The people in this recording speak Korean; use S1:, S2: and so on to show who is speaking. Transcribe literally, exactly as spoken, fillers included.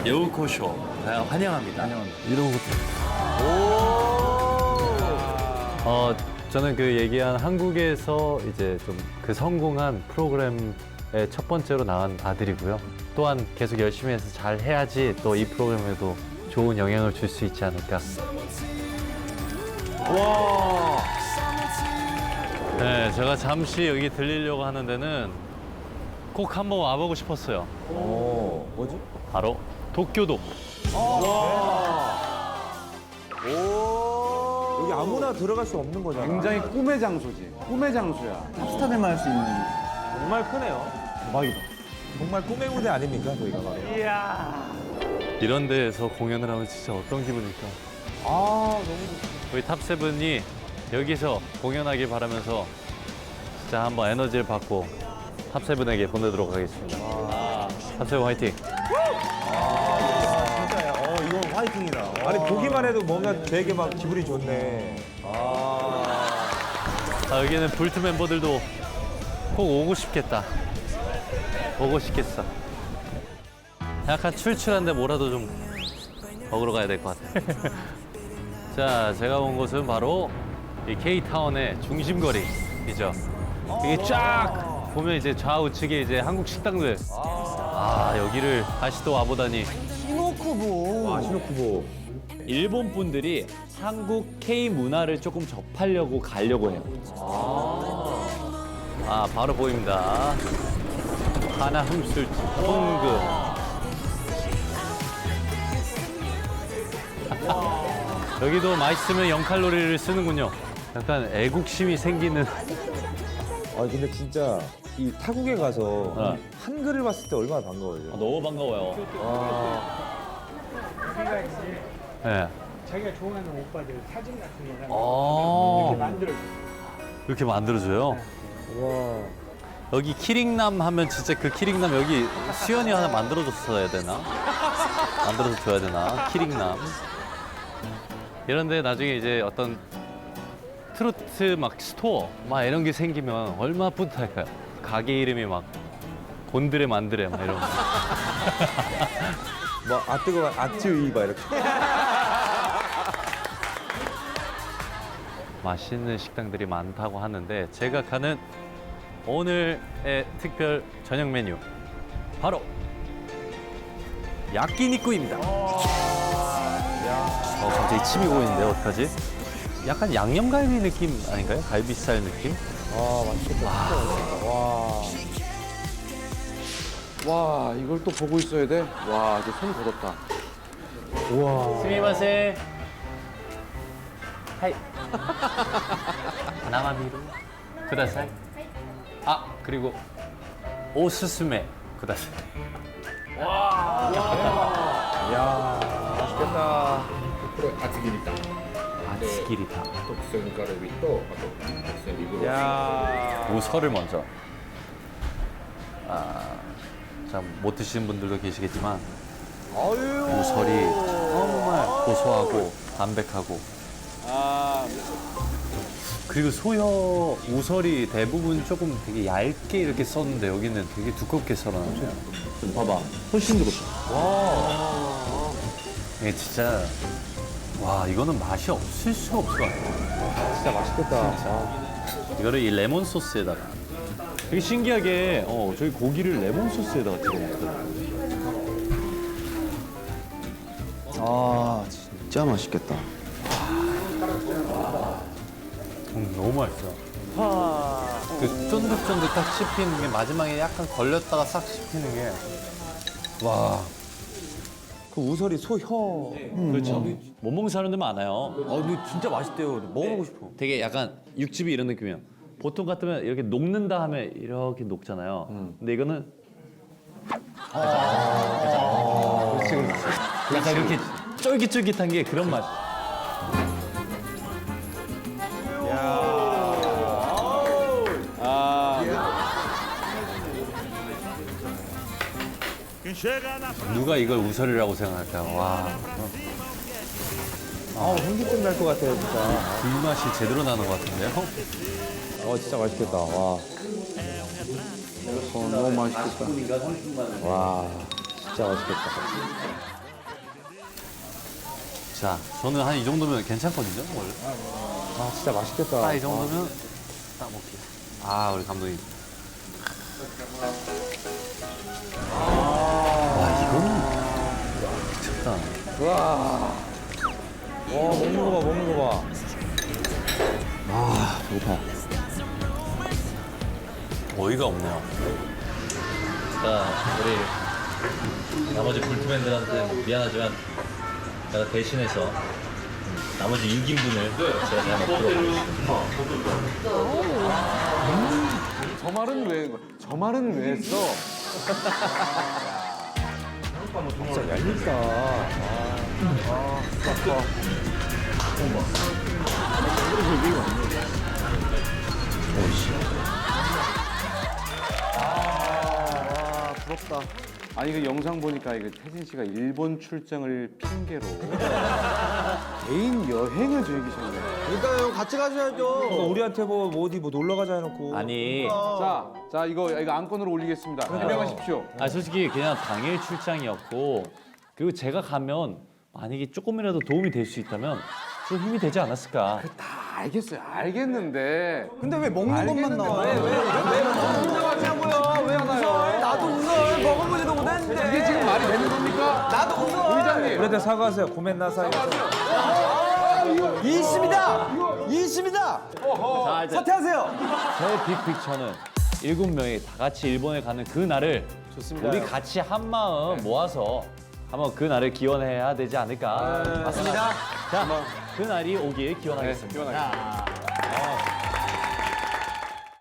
S1: 여우코쇼 환영합니다.
S2: 환영합니다. 이런 것도.
S3: 어, 저는 그 얘기한 한국에서 이제 좀 그 성공한 프로그램의 첫 번째로 나간 아들이고요. 또한 계속 열심히 해서 잘 해야지 또 이 프로그램에도 좋은 영향을 줄 수 있지 않을까.
S1: 와.
S3: 네, 제가 잠시 여기 들리려고 하는 데는 꼭 한번 와보고 싶었어요.
S2: 오, 뭐지?
S3: 바로 도쿄도.
S2: 여기 아무나 들어갈 수 없는 거잖아.
S4: 굉장히 꿈의 장소지. 꿈의 장소야. 탑스타들만 할 수 있는.
S2: 정말 크네요.
S4: 대박이다.
S2: 정말 꿈의 무대 아닙니까, 저희가 바로.
S3: 이런 데에서 공연을 하면 진짜 어떤 기분일까?
S2: 아, 너무 좋다.
S3: 우리 탑세븐이 여기서 공연하길 바라면서 진짜 한번 에너지를 받고 탑세븐에게 보내도록 하겠습니다. 탑세븐 화이팅!
S2: 진짜야. 어, 이건 화이팅이다. 아니, 보기만 해도 뭔가 되게 막 기분이 좋네. 아.
S3: 아, 여기는 불트 멤버들도 꼭 오고 싶겠다. 오고 싶겠어. 약간 출출한데 뭐라도 좀 먹으러 가야 될 것 같아. 자, 제가 온 곳은 바로 이 K타운의 중심거리이죠. 이게 쫙 보면 이제 좌우측에 이제 한국 식당들. 아, 여기를 다시 또 와보다니.
S2: 아, 시노쿠보.
S1: 일본 분들이 한국 K 문화를 조금 접하려고 가려고 해요.
S3: 아, 바로 보입니다. 하나 흠술 통금. 여기도 맛있으면 영 칼로리를 쓰는군요. 약간 애국심이 생기는.
S2: 아, 근데 진짜 이 타국에 가서
S3: 어.
S2: 한글을 봤을 때 얼마나 반가워요.
S1: 너무 반가워요.
S3: 네.
S5: 자기가 좋아하는 오빠들 사진 같은 거랑
S3: 아,
S5: 이렇게 만들어줘.
S3: 이렇게 만들어줘요.
S2: 와.
S3: 여기 키링남 하면 진짜 그 키링남 여기 수연이 하나 만들어줬어야 되나? 만들어서 줘야 되나? 키링남. 이런데 나중에 이제 어떤 트로트 막 스토어 막 이런 게 생기면 얼마나 뿌듯할까요? 가게 이름이 막 곤드레 만드레 막 이런 거.
S2: 뭐, 아, 뜨거워. 아쯔이, 막 이렇게.
S3: 맛있는 식당들이 많다고 하는데 제가 가는 오늘의 특별 저녁 메뉴 바로 야끼니쿠입니다. 어, 갑자기 침이 고이는데 어떡하지? 약간 양념갈비 느낌 아닌가요? 갈비 스타일 느낌?
S2: 아, 맛있겠다. 진짜 맛있겠다. 와.
S4: 와, 이걸 또 보고 있어야 돼? 와, 이제 손 굳었다.
S2: 우와.
S3: 스미마세. 하이. 나마미루. 쿠다사이. 아, 그리고 오스스메 쿠다사이.
S2: 야, 맛있겠다.
S6: これ厚切りタン
S3: 아츠기리타.
S6: 特選カルビとあと特選リブロース
S2: 야.
S3: 우설을 먼저. 아, 자, 못 드시는 분들도 계시겠지만
S2: 아유.
S3: 우설이 정말 고소하고 담백하고. 그리고 소여 우설이 대부분 조금 되게 얇게 이렇게 썼는데 여기는 되게 두껍게 썰어놨죠.
S4: 봐봐. 훨씬 들었다.
S3: 이게 진짜 와, 이거는 맛이 없을 수가 없을 것 같아요.
S2: 진짜 맛있겠다. 아.
S3: 이거를 이 레몬 소스에다가 되게 신기하게 어, 저희 고기를 레몬 소스에다가 찍어 먹거든요.
S4: 아, 진짜 맛있겠다.
S3: 음, 너무 맛있어. 그 쫀득쫀득 딱 씹히는 게 마지막에 약간 걸렸다가 싹 씹히는 게 와.
S2: 그 우설이 소혀.
S1: 그렇죠. 못 먹는 사람들 많아요.
S3: 아, 근데 진짜 맛있대요. 먹어보고 싶어. 되게 약간 육즙이 이런 느낌이에요. 보통 같으면 이렇게 녹는다 하면 이렇게 녹잖아요. 근데 이거는
S2: 그렇지, 그렇지.
S3: 약간 이렇게 쫄깃쫄깃한 게 그런 맛. 누가 이걸 우설이라고 생각할까? 와,
S2: 아, 현기증 날 것 같아요, 진짜.
S3: 불맛이 제대로 나는 것 같은데요?
S2: 어, 진짜 맛있겠다. 와.
S4: 어, 너무 맛있겠다.
S2: 와, 진짜 맛있겠다.
S3: 자, 저는 한 이 정도면 괜찮거든요, 원래.
S2: 아 진짜 맛있겠다.
S3: 딱 이 정도면 딱 먹기. 아, 우리 감독님. 와, 이거는 미쳤다.
S2: 와 먹는 거 봐, 먹는 거 봐.
S1: 아, 배고파.
S3: 어이가 없네요.
S7: 자, 우리 나머지 불트맨들한테 미안하지만 제가 대신해서 나머지 육 인분을 제가 다 먹도록 하겠습니다.
S4: 저 말은 왜, 저 말은 왜 했어?
S2: 진짜 얄밉다. 아, 아, 아까.
S4: 아, 부럽다. 아니, 그 영상 보니까 이거 태진 씨가 일본 출장을 핑계로 개인 여행을 즐기셨네.
S2: 그러니까요, 같이 가셔야죠. 우리한테 뭐, 뭐 어디 뭐 놀러 가자 해놓고.
S1: 아니,
S4: 자, 자, 이거, 이거 안건으로 올리겠습니다. 해명하십시오.
S1: 아 솔직히 그냥 당일 출장이었고 그리고 제가 가면 만약에 조금이라도 도움이 될 수 있다면 좀 힘이 되지 않았을까.
S4: 다 알겠어요. 알겠는데.
S2: 근데 왜 먹는 것만 나와?
S4: 왜, 왜, 왜
S2: 웃냐고요? 왜 웃어요? 나도 웃어. 먹어보지도 못했는데.
S4: 이게 지금 말이 되는 겁니까?
S2: 나도 웃어.
S4: 의장님.
S2: 우리한테 사과하세요. 고멘 나사이. 이 있습니다. 이 있습니다.
S1: 자, 이제
S2: 사퇴하세요.
S1: 제 빅픽처는 일곱 명이 다 같이 일본에 가는 그 날을
S2: 좋습니다.
S1: 우리 같이 한 마음 모아서 한번 그 날을 기원해야 되지 않을까.
S2: 맞습니다.
S1: 자, 그 날이 오길 기원하겠습니다.
S4: 기원하겠습니다.
S1: 자,